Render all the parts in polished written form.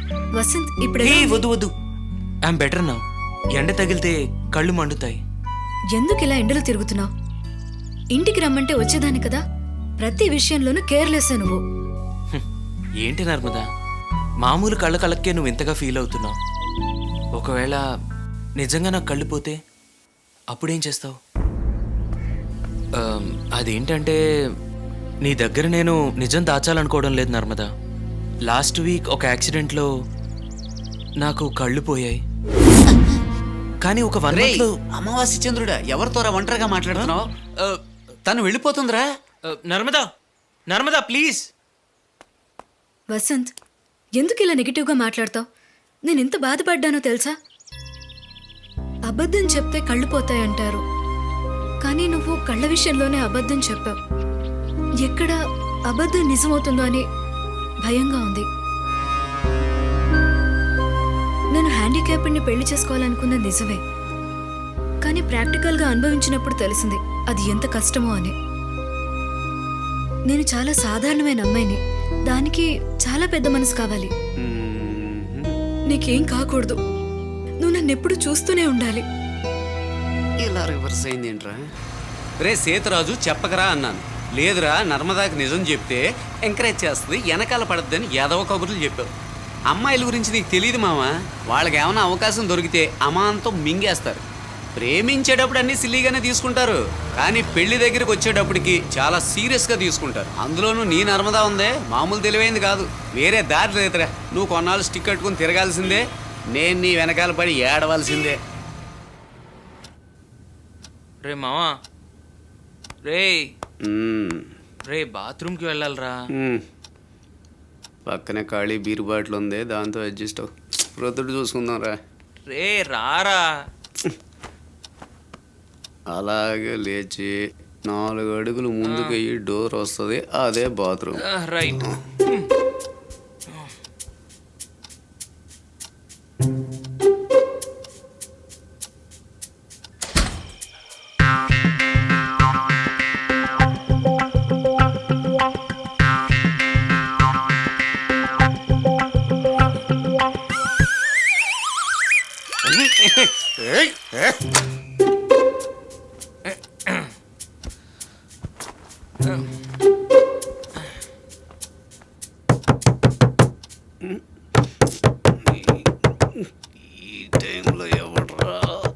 వసంత్ ఇప్పుడు ఏ వద్దు వద్దు, ఐఎమ్ బెటర్ నౌ. ఎండ తగిలితే కళ్ళు మండుతాయి. ఎందుకు ఇలా ఎండలు తిరుగుతున్నావు? ఇంటికి రమ్మంటే వచ్చేదాన్ని కదా. ప్రతి విషయంలోనూ కేర్లెస్ నువ్వు. ఏంటి నర్మదా, మామూలు కళ్ళకే నువ్వు ఇంతగా ఫీల్ అవుతున్నావు. ఒకవేళ నిజంగా నాకు కళ్ళు పోతే అప్పుడేం చేస్తావు? అదేంటంటే నీ దగ్గర నేను నిజం దాచాలనుకోవడం లేదు నర్మదా. లాస్ట్ వీక్ ఒక యాక్సిడెంట్లో నాకు కళ్ళు పోయాయి. కానీ ఒక వన్లో అమావాస్య చంద్రుడా, ఎవరితోరా ఒంటరిగా మాట్లాడుతున్నావు? తను వెళ్ళిపోతుందిరా. నర్మదా, నర్మదా ప్లీజ్. వసంత్, ఎందుకు ఇలా నెగిటివ్గా మాట్లాడతావు? నేను ఎంత బాధపడ్డానో తెలుసా? అబద్ధం చెప్తే కళ్ళు పోతాయంటారు, కానీ నువ్వు కళ్ళ విషయంలోనే అబద్ధం చెప్పావు. ఎక్కడ అబద్ధం నిజమవుతుందో అని భయంగా ఉంది. నేను హ్యాండిక్యాప్డ్ని పెళ్లి చేసుకోవాలనుకున్నది నిజమే, కానీ ప్రాక్టికల్గా అనుభవించినప్పుడు తెలిసింది అది ఎంత కష్టమో అని. నేను చాలా సాధారణమైన అమ్మాయిని, దానికి చాలా పెద్ద మనసు కావాలి. నీకేం కాకూడదు, నువ్వు నన్ను ఎప్పుడు చూస్తూనే ఉండాలి. ఇలా రివర్స్ అయింది ఏంట్రా? రే సేతురాజు, చెప్పకరా అన్నాను. లేదురా, నర్మదాకి నిజం చెప్తే ఎంకరేజ్ చేస్తుంది, వెనకాల పడద్దని యాదవ కబుర్లు చెప్పావు. అమ్మాయిల గురించి నీకు తెలియదు మామ. వాళ్ళకి ఏమైనా అవకాశం దొరికితే అమాంతం మింగేస్తారు. ప్రేమించేటప్పుడు అన్నీ సిల్లీగానే తీసుకుంటారు, కానీ పెళ్లి దగ్గరికి వచ్చేటప్పటికి చాలా సీరియస్గా తీసుకుంటారు. అందులోనూ నీ నర్మదా ఉందే, మామూలు తెలివైంది కాదు. వేరే దారి లేదురా. నువ్వు కొన్నాళ్ళు స్టిక్ కట్టుకుని తిరగాల్సిందే, నేను నీ వెనకాల పడి ఏడవలసిందే. రే మావా, రే బాత్రూమ్కి వెళ్ళాలరా. పక్కనే ఖాళీ బీరు బాటిల్ ఉంది, దాంతో అడ్జస్ట్ అవ్వు. ప్రొద్దుడు చూసుకుందాం రా. రే రారా. అలాగే లేచి 4 అడుగులు ముందుకు అయ్యి డోర్ వస్తుంది, అదే బాత్రూమ్. రైట్. ఈ టైంలో ఎవడ్రా?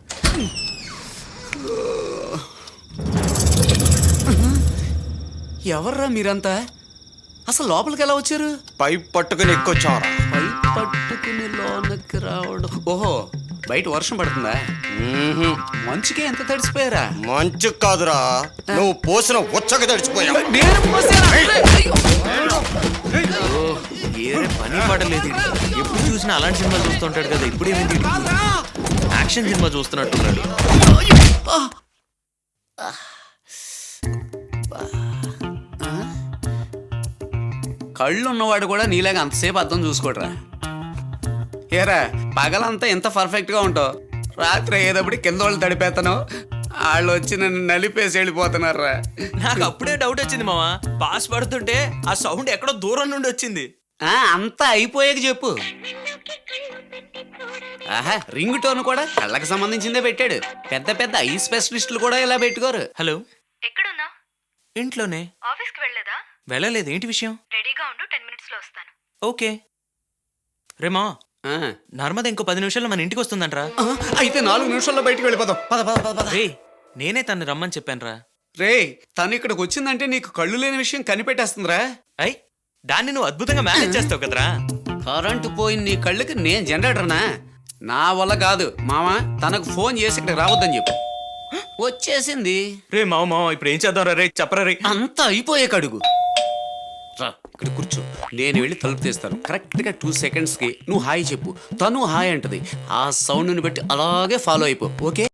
ఎవర్రా మీరంతా? అసలు లోపలికి ఎలా వచ్చారు? పైప్ పట్టుకుని ఎక్కొచ్చారా? పైప్ పట్టుకుని లోనకి రావడం. ఓహో, బయట వర్షం పడుతుందా? మంచుకే ఎంత తడిసిపోయారా? మంచు కాదురా, నువ్వు పోసిన ఉచ్చక తడిచిపోయావు. నేను పోసానా? అయ్యో. ఏరే పని పడలేదు. ఎప్పుడు చూసినా అలాంటి సినిమా చూస్తుంటాడు కదా, ఇప్పుడేమైంది? Action cinema చూస్తున్నట్టున్నాడు. కళ్ళు ఉన్నవాడు కూడా నీలాగా అంతసేపు అర్థం చూసుకోడరా. ఏరా, పగలంతా ఎంత పర్ఫెక్ట్గా ఉంటావు, రాత్రి అయ్యేటప్పుడు కింద వాళ్ళు తడిపేస్తాను, వాళ్ళు వచ్చి నన్ను నలిపేసి వెళ్ళిపోతున్నారా. నాకు అప్పుడే డౌట్ వచ్చింది మావా. పాస్ పడుతుంటే ఆ సౌండ్ ఎక్కడో దూరం నుండి వచ్చింది. అంతా అయిపోయాక చెప్పు. ఆహా, రింగ్ టోన్ కూడా కళ్ళకి సంబంధించిందే పెట్టాడు. పెద్ద పెద్ద ఐ స్పెషలిస్టులు కూడా ఇలా పెట్టుకోరు. హలో, ఎక్కడున్నా? ఇంట్లోనే. ఆఫీస్కి వెళ్ళలేదా? వెళ్ళలేదు. ఏంటి విషయం? రెడీగా ఉండు, 10 minutesలో వస్తాను. ఓకే. రేమా, నర్మద ఇంకో 10 నిమిషాల్లో మన ఇంటికి వస్తుందంట్రా. అయితే 4 నిమిషాల్లో బయటికి వెళ్ళిపోతాం. రే, నేనే తను రమ్మని చెప్పానురా. రే, తను ఇక్కడికి వచ్చిందంటే నీకు కళ్ళు లేని విషయం కనిపెట్టేస్తుందిరా. అయ్, దాన్ని నువ్వు అద్భుతంగా మేనేజ్ చేస్తావు కదరా. కరెంటు పోయిన నీ కళ్ళకి నేను జనరేటర్నా? నా వల్ల కాదు మామ. తనకు ఫోన్ చేసి ఇక్కడ రావద్దని చెప్పు. వచ్చేసింది. రే మావ, ఇప్పుడు ఏం చేద్దాం రే? చెప్పరా రే. అంతా అయిపోయాక అడుగు. రా, ఇక్కడ కూర్చో, నేను వెళ్ళి తలుపు తీస్తాను. కరెక్ట్గా 2 secondsకి నువ్వు హాయ్ చెప్పు, తను హాయ్ అంటది. ఆ సౌండ్ని బట్టి అలాగే ఫాలో అయిపో. ఓకే?